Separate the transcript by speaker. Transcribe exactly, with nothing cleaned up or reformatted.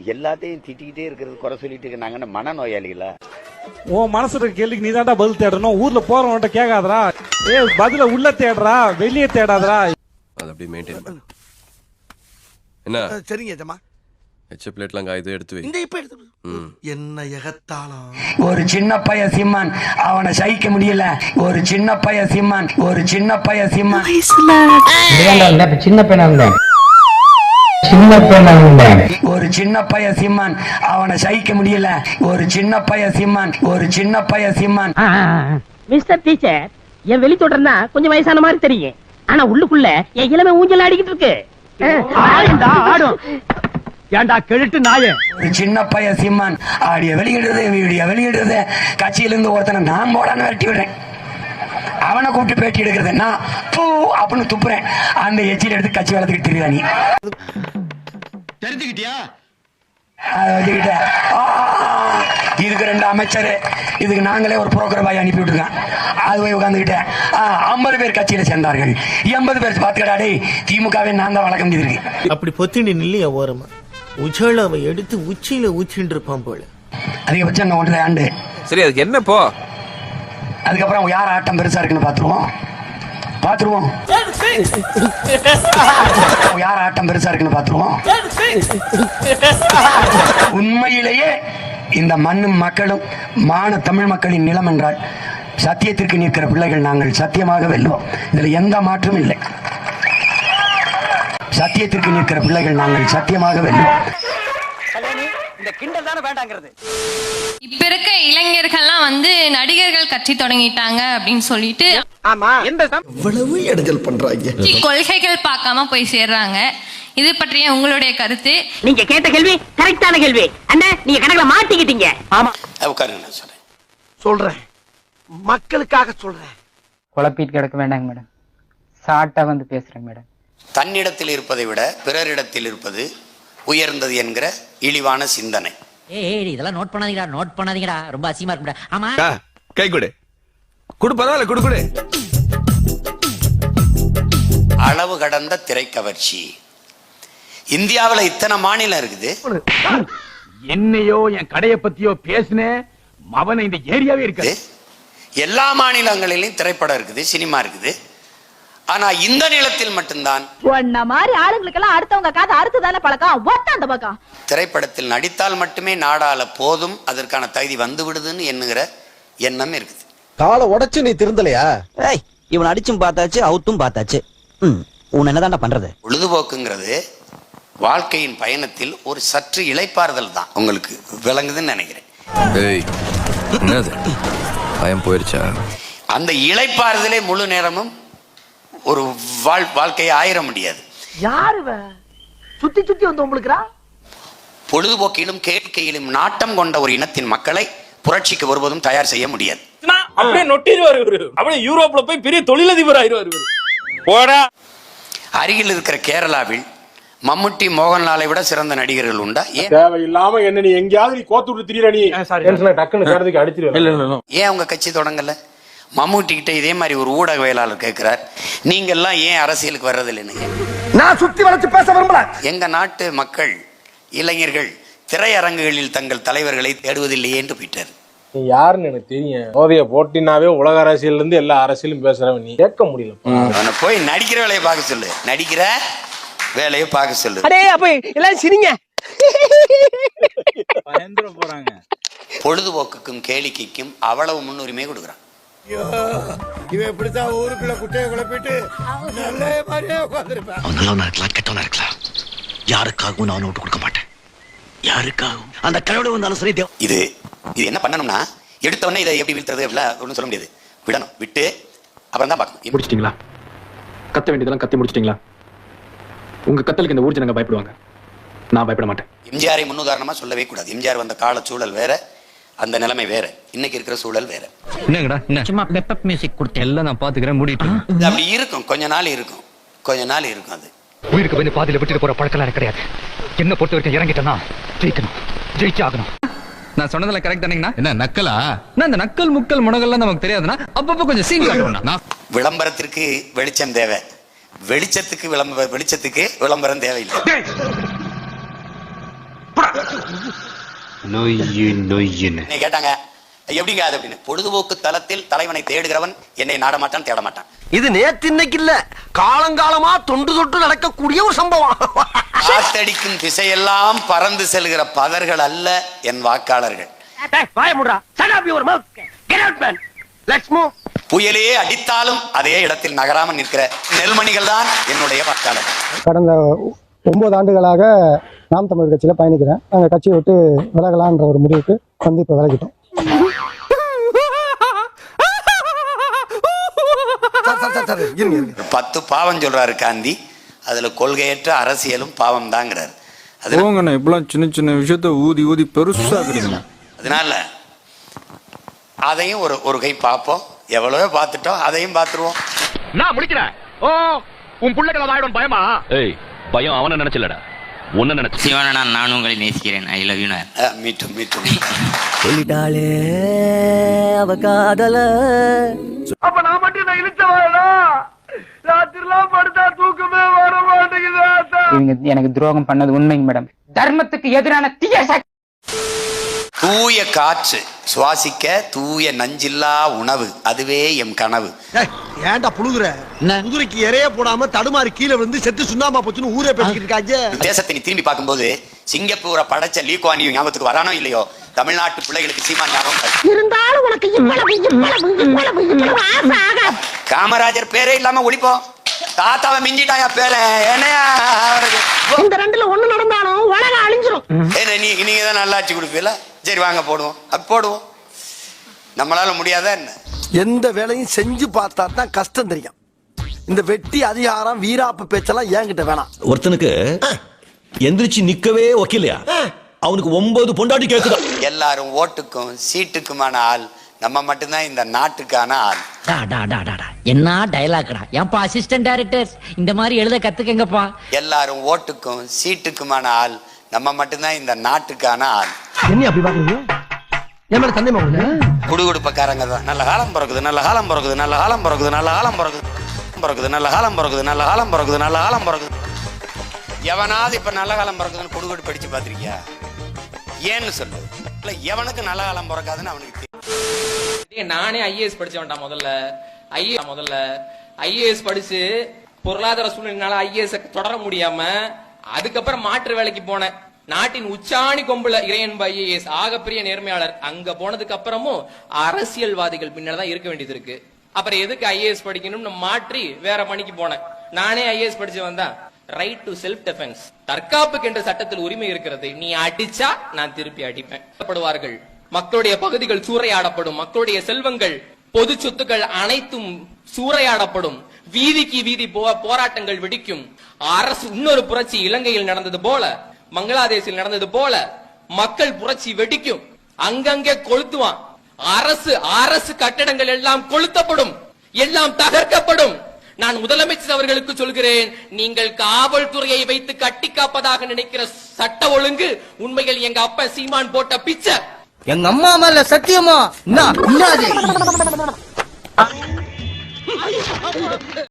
Speaker 1: எல்லாத்தையும் திட்டிக்கிட்டே இருக்கிறது, குறை சொல்லிட்டு நாங்க மன நோயாளிகளா?
Speaker 2: உன் மனசுல கேள்விக்கு நீ தான்டா பதில் தேடணும். ஊர்ல போறவன்ட்ட கேட்காதரா, ஏ பதில உள்ள தேடுறா, வெளியே தேடாதரா.
Speaker 3: அது அப்படி மெயின்டைன் பண்ணு. என்ன
Speaker 4: சரிங்க ஜமா.
Speaker 3: எச்ச பிளேட்லாம் காய்து எடுத்து வை.
Speaker 4: இந்த இப்ப எடுத்து. என்ன எகத்தாளம்.
Speaker 5: ஒரு சின்ன பைய சிம்மான், அவனை சகிக்க முடியல. ஒரு சின்ன பைய சிம்மான், ஒரு சின்ன பைய சிம்மான். சின்ன பையனா சின்ன பையனா ஒரு சின்ன பைய சிம்மான், அவனை சகிக்க முடியல. ஒரு சின்ன பைய சிம்மான், ஒரு சின்ன பைய சிம்மான்.
Speaker 6: மிஸ்டர் டீச்சர், என் வெளி தொடர்னா கொஞ்சம் வயசான மாதிரி தெரியும், ஆனா உள்ளுக்குள்ள என் இளமை ஊஞ்சல் ஆடிக்கிட்டு இருக்கு. ஆடும் ஏண்டா கெழுட்டு நாயே.
Speaker 5: ஒரு சின்ன பைய சிம்மான் ஆடிய வெளியிடுறது, வீடியோ வெளியிடுறது. கட்சியிலிருந்து ஒருத்தனை நான் போடான்னு வெட்டி விடுறேன், அவனை கூப்பிட்டு பேட்டி எடுக்கிறது நான் பூ அப்படின்னு துப்புறேன். அந்த எச்சில் எடுத்து கட்சி வளர்த்துக்கிட்டு தெரியுதா நீ?
Speaker 4: தெரிஞ்சுக்கிட்டியா?
Speaker 5: இதுக்கு ரெண்டு அமைச்சர், இதுக்கு நாங்களே ஒரு புரோக்கர் பாய் அனுப்பி விட்டுருக்கேன். அது போய் உட்காந்துக்கிட்டேன். ஐம்பது பேர் கட்சியில சேர்ந்தார்கள், எண்பது பேர் பாத்துக்கடாடே திமுகவே நான் தான் வழக்கம் இருக்கு.
Speaker 4: அப்படி பொத்திண்டி நில்லையா ஓரமா? உஜாலாவை எடுத்து உச்சியில ஊச்சின்னு இருப்பான் போல.
Speaker 5: அதிகபட்சம் இன்னும் ஒன்றரை ஆண்டு.
Speaker 3: சரி, அதுக்கு என்ன போ?
Speaker 5: அதுக்கப்புறம் யார் ஆட்டம் பெருசா இருக்குன்னு பாத்துருவோம் பாத்துருவோம் யார் ஆட்டம் பெருசா இருக்குன்னு பாத்துருவோம். உண்மையிலேயே இந்த மண்ணும் மக்களும் மான தமிழ் மக்களின் நிலம் என்றால் சத்தியத்திற்கு நிற்கிற பிள்ளைகள் நாங்கள் சத்தியமாக வெல்லுவோம். இதுல எந்த மாற்றமும் இல்லை. சத்தியத்திற்கு நிற்கிற பிள்ளைகள் நாங்கள் சத்தியமாக வெல்லுவோம்.
Speaker 6: இந்த கிண்டல் தானே வேண்டாங்கிறது.
Speaker 7: இப்ப இருக்க இளைஞர்கள்லாம் வந்து நடிகர்கள் கட்சி தொடங்கிட்டாங்க அப்படின்னு சொல்லிட்டு
Speaker 4: எவ்வளவு இடைஞ்சல் பண்றாங்க.
Speaker 7: கொள்கைகள் பார்க்காம போய் சேர்றாங்க. இது பற்றிய உங்களுடைய கருத்து?
Speaker 6: நீங்க கேட்ட கேள்வி கரெக்டான கேள்வி அண்ணா, நீங்க கணக்குல மாட்டிக்கிட்டீங்க. ஆமா
Speaker 1: உட்காருங்க, நான் சொல்றேன்
Speaker 4: சொல்றேன் மக்களுக்காக சொல்றேன்.
Speaker 8: குழப்பிட்டு கிடக்க வேண்டாங்க மேடம், சாட்டா வந்து பேசுறேன் மேடம்.
Speaker 1: தன்னிடத்தில் இருப்பதை விட பிறரிடத்தில் இருப்பது உயர்ந்தது என்கிற இழிவான சிந்தனை.
Speaker 6: ஏய் இதெல்லாம் நோட் பண்ணாதீங்கடா, நோட் பண்ணாதீங்கடா, ரொம்ப அசிங்கமா இருக்குடா. ஆமா
Speaker 3: கை கொடு குடு, பரவாயில்ல குடு குடு.
Speaker 1: அளவு கடந்த திரைக்கவர்ச்சி. இந்தியாவில் இத்தனை மாநிலம் இருக்குது.
Speaker 2: என்னையோ என் கடைய பத்தியோ பேசுனே அவனை இந்த ஏரியாவே இருக்கு.
Speaker 1: எல்லா மாநிலங்களிலும் திரைப்படம் இருக்குது, சினிமா இருக்குது. ஆனா இந்த நிலத்தில் மட்டும்தான்
Speaker 9: ஒன்ன மாதிரி ஆளுங்களுக்கெல்லாம் அடுத்தவங்க காது அறுத்துதானே பழக்கம். ஒத்த அந்த பக்கம்
Speaker 1: திரைப்படத்தில் நடித்தால் மட்டுமே நாடாள போதும், அதற்கான தகுதி வந்து விடுதுன்னு எண்ணுகிற எண்ணம் இருக்குது.
Speaker 4: காலை உடைச்சு நீ திருந்தலையா?
Speaker 6: ஏய் இவன் அடிச்சும் பார்த்தாச்சு, அவுத்தும் பார்த்தாச்சு. உன் என்னதான்டா பண்றது?
Speaker 1: பொழுதுபோக்குங்கிறது வாழ்க்கையின் பயணத்தில் ஒரு சற்று இளைப்பாறுதல் தான். உங்களுக்கு விளங்குதுன்னு நினைக்கிறேன்.
Speaker 3: பயம் போயிருச்சா?
Speaker 1: அந்த இளைப்பாறுதலே முழு நேரமும் ஒரு வாழ்க்கையை ஆயிர முடியாது.
Speaker 6: யாரு சுத்தி சுத்தி வந்து உங்களுக்குறா?
Speaker 1: பொழுதுபோக்கிலும் கேட்கையிலும் நாட்டம் கொண்ட ஒரு இனத்தின் மக்களை புரட்சிக்கு ஒருபோதும் தயார் செய்ய முடியாது.
Speaker 2: அப்படியே நொட்டிடுவாரு இவரு, அப்படியே யூரோப்ல போய் பெரிய தொழிலதிபர் ஆயிடுவாரு. போடா.
Speaker 1: அருகில் இருக்கிற கேரளாவில் மம்முட்டி, மோகன்லாலை விட சிறந்த நடிகர்கள் உண்டா? ஏன்
Speaker 2: தேவையில்லாம என்ன நீ எங்கயாவது நீ கோத்து விட்டு திரியற நீ டக்குனு கேரதுக்கு அடிச்சிருவேன்.
Speaker 1: ஏன் அவங்க கட்சி தொடங்கல? மம்முட்டி கிட்ட இதே மாதிரி ஒரு ஊடகவியலாளர் கேட்கிறார், நீங்க எல்லாம் ஏன் அரசியலுக்கு வர்றதில்லைன்னு.
Speaker 4: நான் சுத்தி வளைச்சு பேச விரும்பல.
Speaker 1: எங்க நாட்டு மக்கள் இளைஞர்கள் திரையரங்குகளில் தங்கள் தலைவர்களை தேடுவதில்லையே என்று போயிட்டார்.
Speaker 2: நீ யாருன்னு எனக்கு தெரியும். ஓவிய போட்டினாவே உலக அரசியல் இருந்து எல்லா அரசியலும் பேசுறவன் நீ கேட்க முடியல.
Speaker 1: அவனை போய் நடிக்கிற வேலையை பார்க்க சொல்லு, நடிக்கிற வேலையை பார்க்க சொல்லு.
Speaker 6: அடே அப்ப எல்லாம் சிரிங்க.
Speaker 2: பயந்துற போறாங்க.
Speaker 1: பொழுதுபோக்குக்கும் கேளிக்கைக்கும் அவ்வளவு முன்னுரிமை கொடுக்குறான்.
Speaker 4: இவன் இப்படித்தான் ஊருக்குள்ள குட்டையை குழப்பிட்டு நல்ல மாதிரியே உட்கார்ந்திருப்பான்.
Speaker 5: அவன் நல்லவனா இருக்கலாம், கெட்டவனா இருக்கலாம், யாருக்காகவும் நான் விட்டு கொடுக்க மாட்டேன். யாருக்காகவும் அந்த கடவுளை வந்தாலும் சரி.
Speaker 1: இது இது என்ன பண்ணணும்னா, எடுத்த உடனே இதை எப்படி வீழ்த்துறது ஒன்றும் சொல்ல முடியாது. விடணும், விட்டு அப்புறம் தான் பார்க்கணும்.
Speaker 10: முடிச்சிட்டீங்களா? கத்த வேண்டியதெல்லாம் கத்தி முடிச்சிட்டீங்களா? உங்க கத்தலுக்கு இந்த ஊர் ஜனங்க பயப்படுவாங்க, நான் பயப்பட மாட்டேன்.
Speaker 1: எம்ஜிஆரை முன்னுதாரணமா சொல்லவே கூடாது. எம்ஜிஆர் வந்த கால சூழல் வேற, அந்த நிலைமை வேற, இன்னைக்கு இருக்கிற சூழல் வேற.
Speaker 6: என்னங்கடா என்ன சும்மா பெப்பப் மியூசிக் கொடுத்து எல்லாம் நான் பாத்துக்கிறேன், மூடிட்டு.
Speaker 1: இது அப்படி இருக்கும், கொஞ்ச நாள் இருக்கும், கொஞ்ச நாள் இருக்கும். அது
Speaker 10: உயிருக்கு வந்து பாதியில விட்டுட்டு போற பழக்கம் கிடையாது. என்ன பொறுத்த வரைக்கும் இறங்கிட்டேன்னா ஜெயிக்கணும், ஜெயிச்சு ஆகணும். நான் சொன்னதுல கரெக்ட் தானீங்கண்ணா? என்ன நக்கலா? நான் இந்த நக்கல் முக்கல் முனகல்லாம் நமக்கு தெரியாதுன்னா அப்பப்போ கொஞ்சம் சீன் காட்டுவேன்.
Speaker 1: விளம்பரத்திற்கு வெளிச்சம் தேவை, வெளிச்சத்துக்கு விளம்பர வெளிச்சத்துக்கு விளம்பரம் தேவையில்லை.
Speaker 3: நொய்யு நொய்யுன்னு
Speaker 1: என்னை கேட்டாங்க எப்படிங்க அது அப்படின்னு. பொழுதுபோக்கு தளத்தில் தலைவனை தேடுகிறவன் என்னை நாட மாட்டான், தேட மாட்டான்.
Speaker 4: இது நேத்து இன்னைக்கு இல்ல, காலங்காலமா தொன்று தொட்டு நடக்கக்கூடிய ஒரு சம்பவம்.
Speaker 1: காத்தடிக்கும் திசையெல்லாம் பறந்து செல்கிற பதர்கள் அல்ல என் வாக்காளர்கள். புயலே அடித்தாலும் அதே இடத்தில் நகராமல் நிற்கிற நெல்மணிகள் தான் என்னுடைய வாக்காளர்கள்.
Speaker 11: கடந்த ஒன்பது ஆண்டுகளாக நாம் தமிழர் கட்சியில பயணிக்கிறேன். நாங்க கட்சியை விட்டு விலகலான்ற ஒரு முடிவுக்கு வந்து இப்ப விலகிட்டோம்.
Speaker 1: பத்து பாவம் சொல்றாரு காந்தி, அதுல கொள்கையற்ற அரசியலும் பாவம் தாங்கிறாரு.
Speaker 10: போங்கண்ணா, இப்பெல்லாம் சின்ன சின்ன விஷயத்த ஊதி ஊதி பெருசாக்குறீங்க.
Speaker 1: அதனால அதையும் ஒரு ஒரு கை பார்ப்போம். எவ்வளவோ பார்த்துட்டோம், அதையும் பார்த்துருவோம்.
Speaker 6: நான் முடிக்கிறேன். ஓ, உன் புள்ளைகளை வாயிடும் பயமா?
Speaker 3: ஏய், பயம் அவனை நினைச்சலடா, உன்ன நினைச்சு.
Speaker 1: சிவனா, நான் உங்களை நேசிக்கிறேன். I love you. மீட்டும் மீட்டும்
Speaker 4: சொல்லிட்டாளே அவ காதல.
Speaker 6: அப்ப நான் மட்டும் நான் இழுச்சவாடா, ராத்திரிலாம் படுத்தா தூக்கமே வர மாட்டேங்குது.
Speaker 8: இவங்க எனக்கு துரோகம் பண்ணது உண்மைங்க மேடம். தர்மத்துக்கு எதிரான தீய சக்தி.
Speaker 1: தூய காற்று சுவாசிக்க தூய நஞ்சில்லா உணவு, அதுவே எம் கனவு.
Speaker 4: ஏன்டா புழுகுற? குதிரைக்கு இறைய போடாம தடுமாறி கீழே வந்து செத்து சுண்ணாம்பா போச்சுன்னு ஊரே பேசிக்கிட்டு இருக்காங்க.
Speaker 1: தேசத்தை நீ திரும்பி பார்க்கும்போது சிங்கப்பூரை படைச்ச லீ குவான் யூ ஞாபகத்துக்கு வரானோ இல்லையோ, தமிழ்நாட்டு பிள்ளைகளுக்கு சீமான் ஞாபகம்
Speaker 9: இருந்தாலும் உனக்கு இவ்வளவு இவ்வளவு இவ்வளவு இவ்வளவு ஆசை ஆகாது.
Speaker 1: காமராஜர் பேரே இல்லாம ஒழிப்போம். தாத்தாவை மிஞ்சிட்டாயா பேர என்னையா?
Speaker 9: இந்த ரெண்டுல ஒண்ணு நடந்தாலும் உலகம் அழிஞ்சிரும்.
Speaker 1: என்ன நீ நீங்க தான் நல்லாட்சி கொடுப்பீல? சரி வாங்க போடுவோம், அது போடுவோம். நம்மளால முடியாத என்ன?
Speaker 4: எந்த வேலையும் செஞ்சு பார்த்தா தான் கஷ்டம் தெரியும். இந்த வெட்டி அதிகாரம் வீராப்பு பேச்செல்லாம் ஏங்கிட்ட வேணாம்.
Speaker 12: ஒருத்தனுக்கு எந்திரிச்சு நிக்கவே ஒக்கிலையா, அவனுக்கு ஒன்பது பொண்டாட்டி கேக்குதா.
Speaker 1: எல்லாரும் ஓட்டுக்கும் சீட்டுக்குமான ஆள் நம்ம மட்டும்தான் இந்த நாட்டுக்கான ஆள்.
Speaker 6: என்ன டயலாக்டா? ஏன்பா அசிஸ்டன்ட் டைரக்டர் இந்த மாதிரி எழுத கத்துக்கங்கப்பா.
Speaker 1: எல்லாரும் ஓட்டுக்கும் சீட்டுக்குமான ஆள் நம்ம மட்டும்தான் இந்த நாட்டுக்கான ஆள்.
Speaker 4: என்ன அப்படி பாக்குறீங்க? ஏன் மேல சந்தேகமா உங்களுக்கு?
Speaker 1: குடுகுடுப்பக்காரங்க தான். நல்ல காலம் பிறகுது, நல்ல காலம் பிறகுது, நல்ல காலம் பிறகுது, நல்ல காலம் பிறகுது பிறகுது நல்ல காலம் பிறகுது, நல்ல காலம் பிறகுது, நல்ல காலம் பிறகுது. எவனாவது இப்ப நல்ல காலம் பிறகுதுன்னு குடுகுடு படிச்சு பாத்திருக்கியா? ஏன்னு சொல்லு. இல்ல எவனுக்கு நல்ல காலம் பிறக்காதுன்னு அவனுக்கு தெரியும்.
Speaker 6: நானே ஐஏஎஸ் படிச்சவன்டா. முதல்ல ஐஏஎஸ் முதல்ல ஐஏஎஸ் படிச்சு பொருளாதார சூழ்நிலைனால ஐஏஎஸ் தொடர முடியாம அதுக்கப்புறம் மாற்று வேலைக்கு போனேன். நாட்டின் உச்சாணி கொம்புல இறையன்பு ஐஏஎஸ் ஆகப்பெரிய நேர்மையாளர். அங்க போனதுக்கு அப்புறமும் அரசியல்வாதிகள் பின்னால்தான் இருக்க வேண்டியது இருக்கு. அப்புறம் எதுக்கு ஐஏஎஸ் படிக்கணும்னு மாற்றி வேற பணிக்கு போனேன். நானே ஐஏஎஸ் படிச்சு வந்தா ரைட் டு செல்ஃப் டிஃபென்ஸ், தற்காப்புக்கு என்ற சட்டத்தில் உரிமை இருக்கிறது. நீ அடிச்சா நான் திருப்பி அடிப்பேன். படுவார்கள். மக்களுடைய பகுதிகள் சூறையாடப்படும். மக்களுடைய செல்வங்கள், பொது சொத்துக்கள் அனைத்தும் சூறையாடப்படும். வீதிக்கு வீதி போராட்டங்கள் வெடிக்கும். அரசு இன்னொரு புரட்சி இலங்கையில் நடந்தது போல, பங்களாதேஷில் நடந்தது போல மக்கள் புரட்சி வெடிக்கும். அங்கங்கே கொளுத்துவான். அரசு அரசு கட்டடங்கள் எல்லாம் கொளுத்தப்படும், எல்லாம் தகர்க்கப்படும். நான் முதலமைச்சர் அவர்களுக்கு சொல்கிறேன், நீங்கள் காவல்துறையை வைத்து கட்டி காப்பதாக நினைக்கிற சட்ட ஒழுங்கு உண்மையில் எங்க அப்பா சீமான் போட்ட பிச்சை.
Speaker 4: எங்க அம்மா மேல சத்தியமா